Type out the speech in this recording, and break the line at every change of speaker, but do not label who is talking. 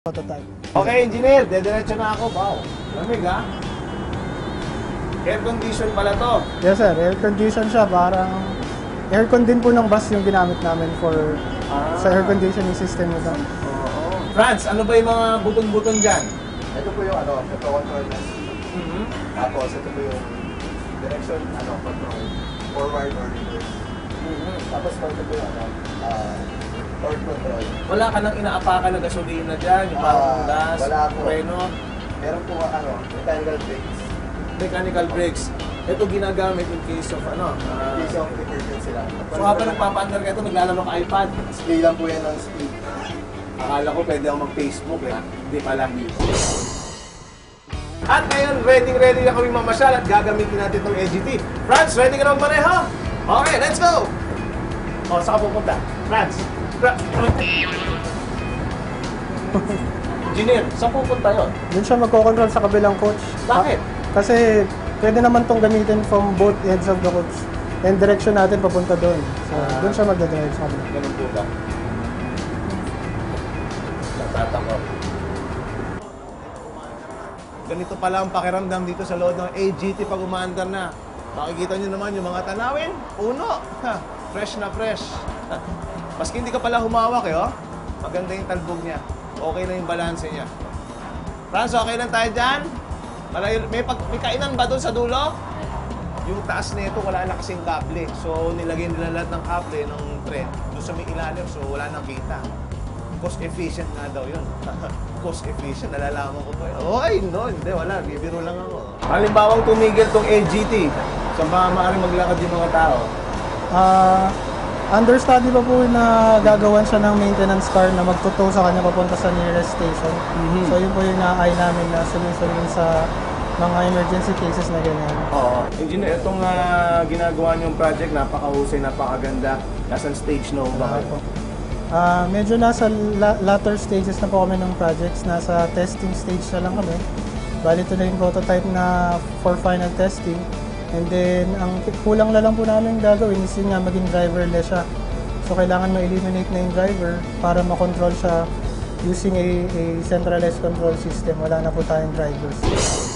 Prototype.
Okay, engineer, dediretso na ako. Wow, lamig ha? Air condition pala to.
Yes sir, air condition siya. Parang aircon din po ng bus yung ginamit namin for sa air conditioning system nito.
Oo. Franz, ano ba yung mga buton-buton dyan?
Ito po yung ito control na. Tapos ito po yung direction control, forward or reverse. Tapos ito po yung torque control.
Wala ka nang inaapakan na gasolina dyan, yung parang gas,
wala po.
preno,
Meron po mechanical brakes.
mechanical brakes. Ito ginagamit in case of
Case of emergency lang.
So habang nagpapaandar ka ito, naglalaro ka iPad.
Display lang po yan ng speed.
Akala ko pwede ako mag-Facebook eh. Hindi pala. At ngayon, ready na kami mamasyal at gagamitin natin itong AGT. Franz, ready ka na magmaneho? Okay, let's go! O, saan ka pupunta? Franz! Engineer, saan pupunta yun?
Doon siya magko-control sa kabilang coach.
Bakit?
Kasi pwede naman tong gamitin from both ends of the coach. And direction natin papunta doon. So, doon siya magdadrive sa kabila.
Ganun po ba? Nagtatako. Ganito pala ang pakiramdam dito sa loob ng AGT pag umaandar na. Makikita nyo naman yung mga tanawin. Puno! Ha, fresh na fresh. Maski hindi ka pala humawak eh, oh. Maganda yung talbog niya. Okay na yung balanse niya. Franz, okay lang tayo dyan? May kainan ba doon sa dulo? Yung taas nito wala na kasing kable. So, nilagay nila lahat ng kable ng tren doon sa may ilalim. So, wala nang kita. Cost efficient nga daw yun. Cost efficient, nalalaman ko pa yun. Oh, ay, no, hindi, wala. Bibiro lang ako. Halimbawang tumigil tong LGT. Saan ba maaaring maglakad yung mga tao?
Understudy pa po na gagawan siya ng maintenance car na magtutow sa kanya papunta sa nearest station. So yun po yung na-eye namin na sunod sa mga emergency cases na ganyan.
Oo. Engineer, itong ginagawa niyong project, napakahusay, napakaganda. Nasaan stage na ba kayo?
Medyo nasa latter stages na po kami ng projects. Nasa testing stage na lang kami. Bali ito na yung prototype na for final testing. And then, ang kulang na lang po namin gagawin is yun nga maging driverless siya. So, kailangan ma-eliminate na yung driver para makontrol siya using a centralized control system. Wala na po tayong drivers.